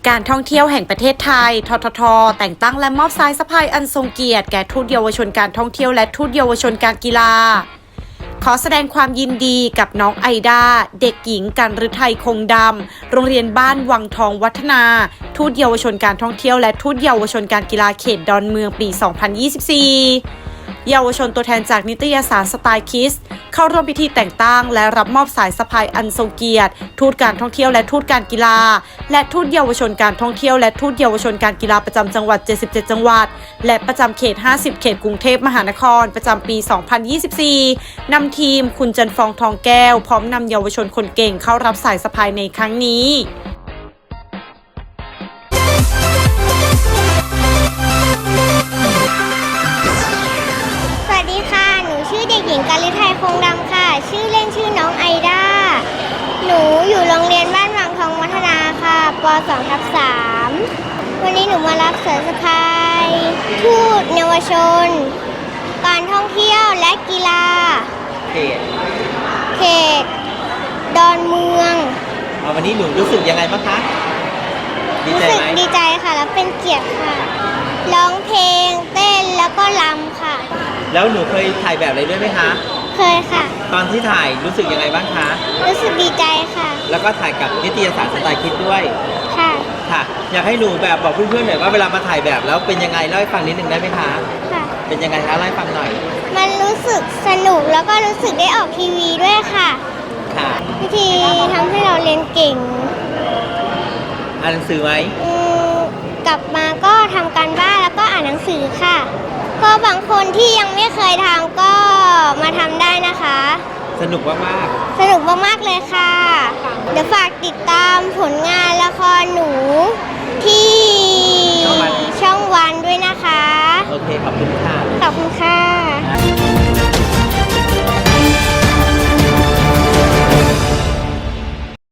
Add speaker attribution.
Speaker 1: การท่องเที่ยวแห่งประเทศไทยทททแต่งตั้งและมอบสายสะพายอันทรงเกียรติแก่ทูตเยาวชนการท่องเที่ยวและทูตเยาวชนการกีฬาขอแสดงความยินดีกับน้องไอดาเด็กหญิงกันฤทัยคงดำโรงเรียนบ้านวังทองวัฒนาทูตเยาวชนการท่องเที่ยวและทูตเยาวชนการกีฬาเขตดอนเมืองปี 2024 เยาวชนตัวแทนจากนิตยสารสไตล์คิสเข้าร่วมพิธีแต่งตั้งและรับมอบสายสะพายอันทรงเกียรติทูตการท่องเที่ยวและทูตการกีฬาและทูตเยาวชนการท่องเที่ยวและทูตเยาวชนการกีฬาประจำจังหวัด77จังหวัดและประจำเขต50เขตกรุงเทพมหานครประจำปี 2024 นำทีมคุณจันฟองทองแก้วพร้อมนำเยาวชนคนเก่งเข้ารับสายสะพายในครั้งนี้
Speaker 2: สวัสดีค่ะ หนูชื่อเด็กหญิงกาลิไทยคงดำค่ะ ชื่อเล่นชื่อน้องไอดา หนูอยู่โรงเรียนบ้านวังทองวัฒนาค่ะป .2/3 วันนี้หนูมารับสายสะพายทูตเยาวชน การท่องเที่ยวและกีฬาเขตดอนเมือง
Speaker 3: วันนี้หนูรู้สึกยังไงบ้างคะดีใจไหม
Speaker 2: ดีใจค่ะแล้วเป็นเกียรติค่ะ ร้องเพลงเต้นแล้วก็รำค่ะ
Speaker 3: แล้วหนูเคยถ่ายแบบอะไรด้วยไหมคะ
Speaker 2: เคยค่ะ
Speaker 3: ตอนที่ถ่ายรู้สึกยังไงบ้างคะ
Speaker 2: รู้สึกดีใจค่ะ
Speaker 3: แล้วก็ถ่ายกับนิตยสารสไตล์คิดด้วย
Speaker 2: ค่ะ
Speaker 3: ค่ะ อยากให้หนูแบบบอกเพื่อนๆหน่อยว่าเวลามาถ่ายแบบแล้วเป็นยังไงเล่าให้ฟังนิดนึงได้ไหมคะ
Speaker 2: ค่ะ
Speaker 3: เป็นยังไงคะเล่าให้ฟังหน่อย
Speaker 2: มันรู้สึกสนุกแล้วก็รู้สึกได้ออกทีวีด้วยค่ะ
Speaker 3: ค่ะ
Speaker 2: วิธีทำให้เราเรียนเก่ง
Speaker 3: อ่านหนังสือไหม
Speaker 2: กลับมาก็ทำการบ้านแล้วก็อ่านหนังสือค่ะ ก็บางคนที่ยังไม่เคยทำก็มาทำได้นะคะ
Speaker 3: สนุกมาก
Speaker 2: สนุกมากๆเลยค่ะ
Speaker 3: ๆ